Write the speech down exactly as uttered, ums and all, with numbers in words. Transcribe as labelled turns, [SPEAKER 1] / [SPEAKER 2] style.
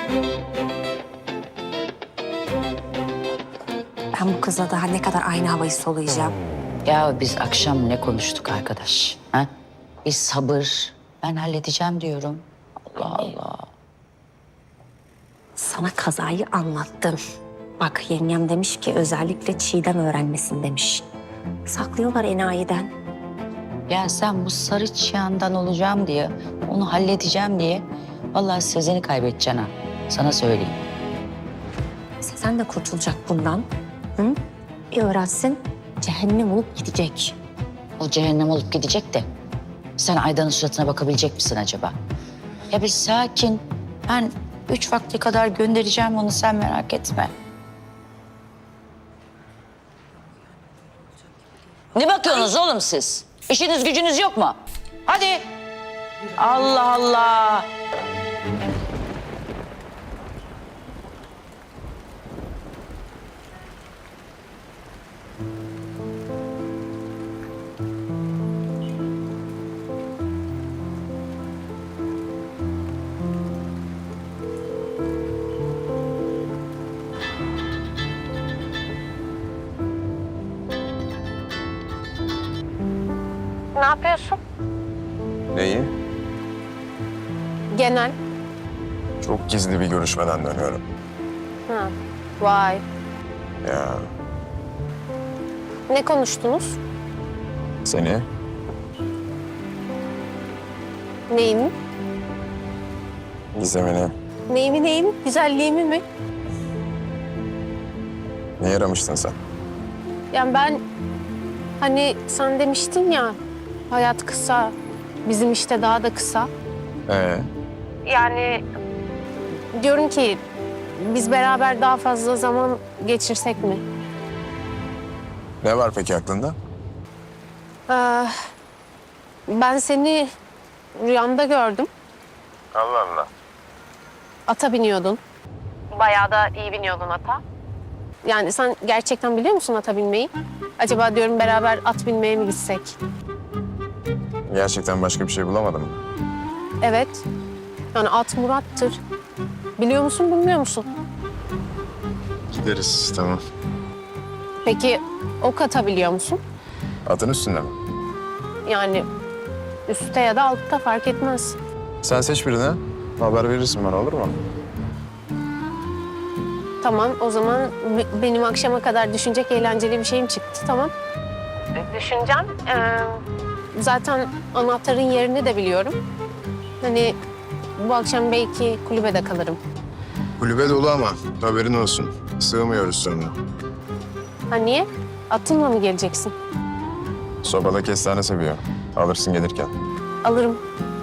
[SPEAKER 1] Ben bu kızla daha ne kadar aynı havayı soluyacağım?
[SPEAKER 2] Ya biz akşam ne konuştuk arkadaş? Ha? Bir sabır. Ben halledeceğim diyorum. Allah Allah.
[SPEAKER 1] Sana kazayı anlattım. Bak yengem demiş ki özellikle Çiğdem öğrenmesin demiş. Saklıyorlar enayiden.
[SPEAKER 2] Ya sen bu sarı çıyandan olacağım diye, onu halledeceğim diye vallahi Sezen'i kaybedeceksin ha. Sana söyleyeyim.
[SPEAKER 1] Sezen de kurtulacak bundan. Hı? Bir öğrensin cehennem olup gidecek.
[SPEAKER 2] O cehennem olup gidecek de sen Aydan'ın suratına bakabilecek misin acaba? Ya bir sakin. Ben üç vakte kadar göndereceğim onu, sen merak etme. Ne bakıyorsunuz oğlum siz? İşiniz gücünüz yok mu? Hadi. Allah Allah.
[SPEAKER 1] Ne yapıyorsun?
[SPEAKER 3] Neyi?
[SPEAKER 1] Genel.
[SPEAKER 3] Çok gizli bir görüşmeden dönüyorum.
[SPEAKER 1] Ha. Vay.
[SPEAKER 3] Ya
[SPEAKER 1] Ne konuştunuz?
[SPEAKER 3] seni
[SPEAKER 1] Neyimi?
[SPEAKER 3] gizemini
[SPEAKER 1] Neyimi neyimi? Güzelliğimi mi?
[SPEAKER 3] ne yaramıştın sen?
[SPEAKER 1] Yani ben hani sen demiştin ya hayat kısa, bizim işte daha da kısa.
[SPEAKER 3] Ee,
[SPEAKER 1] Yani diyorum ki biz beraber daha fazla zaman geçirsek mi?
[SPEAKER 3] ne var peki aklında?
[SPEAKER 1] Ee, ben seni rüyamda gördüm.
[SPEAKER 3] Allah Allah.
[SPEAKER 1] Ata biniyordun. Bayağı da iyi biniyordun ata. Yani sen gerçekten biliyor musun ata binmeyi? Acaba diyorum beraber at binmeye mi gitsek?
[SPEAKER 3] Gerçekten başka bir şey bulamadım mı?
[SPEAKER 1] Evet. Yani at Murat'tır. Biliyor musun, bilmiyor musun?
[SPEAKER 3] Gideriz, tamam.
[SPEAKER 1] Peki ok atabiliyor musun?
[SPEAKER 3] Atın üstünde mi?
[SPEAKER 1] Yani üstte ya da altta fark etmez.
[SPEAKER 3] Sen seç birini. Haber verirsin bana, olur mu?
[SPEAKER 1] Tamam, o zaman b- benim akşama kadar düşünecek eğlenceli bir şeyim çıktı, tamam. Düşüneceğim. Ee, zaten anahtarın yerini de biliyorum. Hani bu akşam belki kulübede kalırım.
[SPEAKER 3] Kulübe dolu ama haberin olsun. Sığmıyoruz sonra.
[SPEAKER 1] Ha niye? Atınla mı geleceksin?
[SPEAKER 3] Sobada kestane seviyor. Alırsın gelirken.
[SPEAKER 1] Alırım.